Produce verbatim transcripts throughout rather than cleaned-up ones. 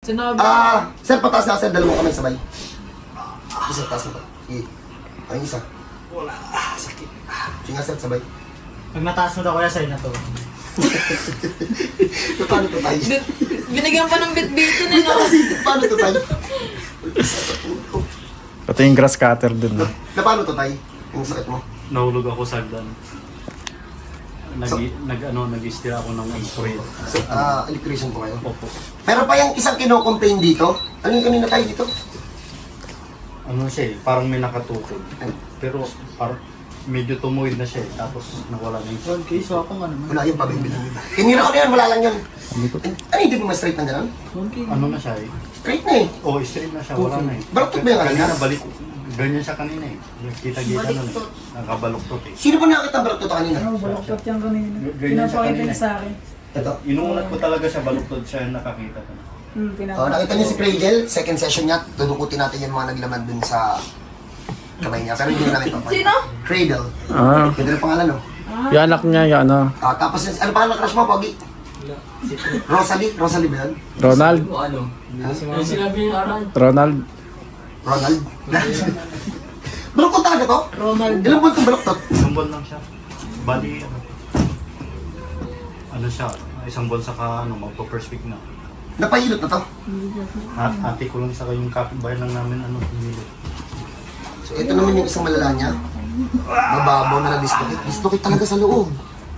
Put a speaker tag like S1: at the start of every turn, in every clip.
S1: Sinabi.
S2: Ah, sir, pataas na sir, dalawang kamay sabay. Isa, taas na pa. Sige. Ay, isa.
S3: Wala. Sakit.
S2: Sige nga sir, sabay.
S3: Pag mataas mo daw kuya, sa'yo na to.
S2: Paano to tayo?
S1: Bit, binigyan pa ng bit-bitin eh, no?
S2: Paano to tayo?
S4: Pati yung grass cutter dun.
S2: Na, na paano to tayo? Yung sakit mo?
S5: Nahulog ako sa hagdan. Nag, nag, ano, nag-steer ako ng spray.
S2: So, ah, electrician po kayo.
S5: Opo.
S2: Pero pa yung isang kino-complain dito, ano yung kanina tayo dito?
S5: Ano siya eh, parang may nakatukod. Pero parang medyo tumuwid na siya eh, tapos nawala na yung...
S3: one K, so ako nga naman.
S2: Wala yung pabibilang nila. Tinira ko na yan, wala lang yun. Ano, hindi mo ma-straight na gano'n?
S3: one K.
S5: Ano na siya eh?
S2: Straight na eh.
S5: Oo, oh, straight na siya, wala na eh.
S2: Baluktot ba yung kanina?
S5: Kanina, balik. Ganyan siya kanina eh. Kita-kita nun eh. Nakabaluktot eh.
S2: Sino ba nakakita ang baluktot kanina?
S3: Ano, baloktot yan kanina.
S5: Ganyan siya
S3: Pinapakita
S5: kanina.
S3: niya sa akin.
S2: Ito.
S5: Inuunat ko talaga siya, baluktot siya yung nakakita ko.
S3: Hmm,
S2: Oh,
S3: pinapakita.
S2: nakita niyo si Cradle, second session niya, tudukutin natin yung mga naglaman dun sa kamay niya. Pero hindi na namin papayin.
S1: Sino?
S2: Cradle.
S4: Ah,
S2: Ganda ng pangalan, no?
S4: yung anak niya, yung ano,
S2: Ah, tapos, yung- ano pangalan ng crush mo, Pogi? Rosalie? Rosalie ba yun?
S4: Ronald.
S1: Ano?
S2: Ha?
S1: Yung sinabi yung aral.
S4: Ronald.
S2: Ronald? Baluktot talaga to?
S3: Ronald.
S2: Ilang buwan itong baluktot?
S5: Isang buwan lang siya. Bali, ano, ano siya, isang buwan saka ano, magpa-first week na.
S2: Napahilot na to?
S5: At ate ko lang saka yung kapitbahay lang namin, ano, humilot.
S2: So, ito naman yung isang malala niya. Mababaw na na-dislocate. Dislocate talaga sa loob.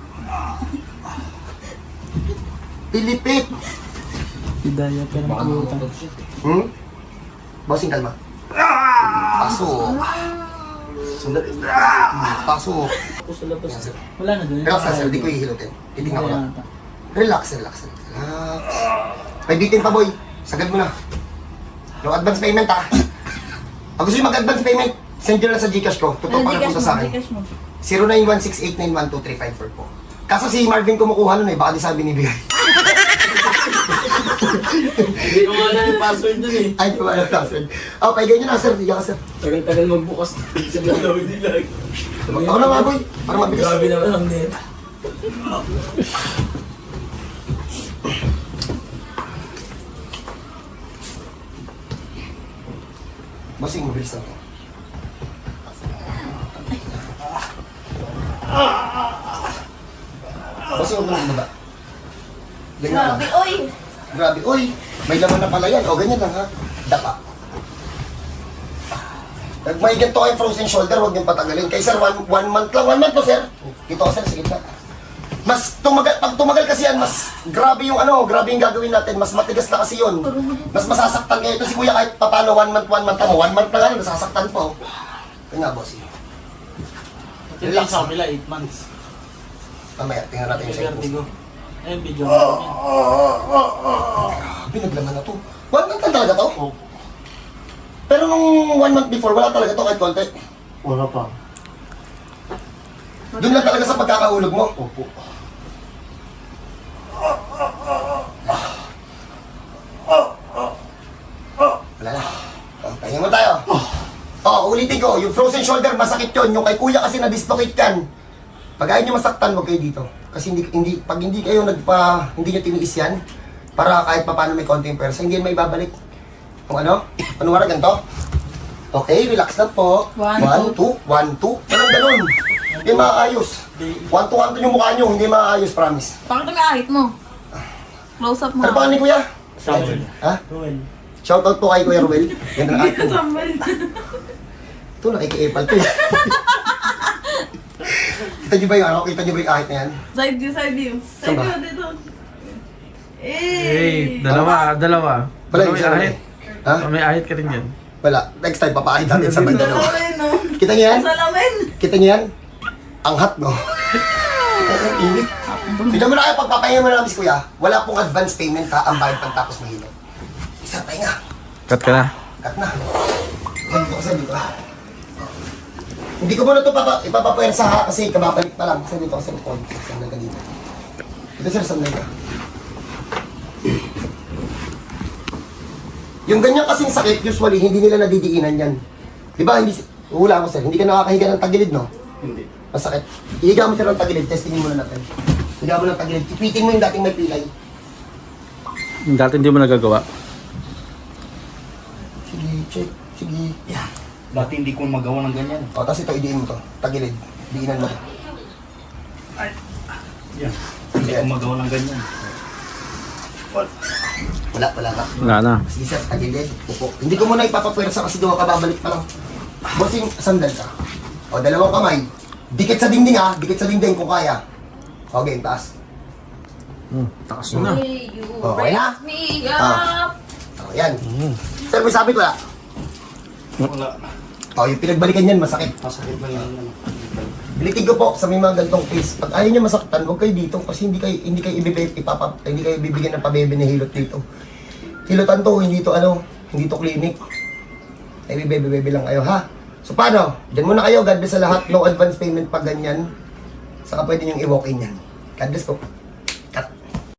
S2: Pilipit!
S3: Hidayah ka ng pulutan.
S2: Hmm? Bossing, kalma. Pasok. Sundat. Pasok.
S3: Ako sa labas. Wala na doon.
S2: Relax na, sir. Di ko ihilutin. Titingnan ko lang. Relax, relax, relax. Relax. Paibitin pa, boy. Sagad mo na. No advance payment, ha? Pag gusto nyo mag-advance payment, send nyo lang sa Gcash ko. Totoo pa na punta sa akin. zero nine one six eight nine one two three five four po. Kaso si Marvin kumukuha nun eh. Baka di sabi binibigay.
S1: Hindi ko wala yung password dun eh.
S2: Ay, di ba alam password? Oh, paigay nyo na, sir. Higa ka, sir.
S1: Tagal-tagal magbukas sa gagawin nila.
S2: Ako na nga, boy. Para mabilis.
S1: Grabe naman ang net.
S2: Bossing, mabilis lang to. Bossing, huwag mo na baba. Ganyan lang.
S1: Grabe, oy!
S2: Grabe. Uy, may laman na pala yan. O, ganyan lang ha. Dapa. Pag may ganito kayong frozen shoulder, huwag niyong patagalin. Kaya sir, one, one month lang. One month to, sir. Dito ka, sir. Sige na. Mas tumagal, pag tumagal kasi yan, mas grabe yung ano, grabe yung gagawin natin. Mas matigas na kasi yun. Mas masasaktan kayo. Ito si kuya kahit papano, one month, one month mo. One month na lang, nasasaktan po. Ito nga, boss.
S3: Relax sa kabila, eight months.
S2: Mamaya, tingnan natin yung sa'yo.
S3: Vertigo. Ayun, video mo namin.
S2: Grabe, naglaman na to. One month lang talaga to?
S5: Oh,
S2: Pero nung one month before, wala talaga to kahit konti.
S5: wala pa.
S2: Doon lang talaga sa pagkakahulog mo.
S5: Opo.
S2: Wala na. Oh, pahinga mo tayo. Oh, ulitin ko. Yung frozen shoulder, masakit yun. Yung kay kuya kasi na-dislocate kan. Pag ayaw nyo masaktan, huwag kayo dito. Kasi hindi, hindi, pag hindi kayo nagpa, hindi nyo tiniis yan, para kahit pa paano may konting persa, hindi yan may babalik. Kung ano? Ano nga ganito? Okay, relax lang po.
S3: One,
S2: One, two. One, two. Ganun, ganun. Hindi maayos. One, two, one, two yung mukha nyo. Hindi maayos, promise.
S1: Bakit ang ahit mo? Close up mo.
S2: Ano pa ni kuya?
S5: Samuel.
S2: Ha?
S3: Ruel.
S2: Shoutout po kay Kuya Ruel. Ganda ng acting. Ito, nakiki-epal to eh. Kita niyo ba yung ano? Kita niyo ba yung ahit na yan?
S1: Side view, side view.
S2: Saan
S1: Side
S2: ba?
S1: view, dito.
S4: Hey,
S1: Eh!
S4: dalawa, dalawa.
S2: Wala
S4: Wala
S2: yung
S4: may
S2: isa
S4: ahit.
S2: Ha?
S4: Oh, may ahit ka rin yan.
S2: Wala. Next time, papaahit natin sa banda no?
S1: Salamin, no?
S2: Kita niyo yan?
S1: Salamin!
S2: Kita niyo yan? Ang hot, no? Ang init. Tignan mo na kayo, pagpapahinga mo na namin si Kuya, wala pong advance payment ha, ang bayad pang tapos mahilo. Isa, pahinga.
S4: Cut ka na.
S2: Cut na. Yan, dito kasi dito. Hindi ko muna ito papa, ipapapuwersa ha, kasi kababalik pa lang. Kasi dito kasi ito. Sandal ka dito. Ito sir, sandal ka. Yung ganyan kasing sakit, usually, hindi nila nadidiinan yan. Di ba, hindi, hula ko sir, hindi ka nakakahiga ng tagilid, no?
S5: Hindi.
S2: Masakit. Ihiga mo sir ng tagilid, testingin muna natin. Higa mo ng tagilid, ipitin mo yung dating may pilay.
S4: Dati hindi mo nagagawa.
S2: check. Sige. Yan.
S5: Dati hindi ko magawa ng ganyan.
S2: O, tapos ito, idiin mo to. Tagilid. Diinan mo.
S5: Yan. Hindi ko magawa ng ganyan.
S2: Wala, wala ka.
S4: Wala na.
S2: Sige sir, tagilid. Upo. Hindi ko muna ipapapwersa kasi gawa ka babalik pa lang. Bossing, sandal ka. O, dalawang kamay. Dikit sa dingding ha. Dikit sa dingding kung kaya. O, game, taas.
S4: Hmm, takas mo na.
S1: Hey, you
S2: Okay na?
S1: raise me
S2: Ah.
S1: up.
S2: O, yan. Sir, may sabit wala?
S5: Wala.
S2: O, yung pinagbalikan yan, masakit.
S5: Masakit lang yan. Ano.
S2: Bilitig ko po sa may mga ganitong case. Pag ayaw niya masaktan, huwag kayo dito kasi hindi kayo hindi kayo ibibigay ipapa hindi kayo bibigyan ng pabebe na hilot dito. Hilotan to, hindi to ano, hindi to clinic. Ay bibebe lang kayo ha. So paano? Diyan muna kayo, God bless sa lahat. No advance payment pag ganyan. Saka pwede niyong i-walk in yan. God bless po.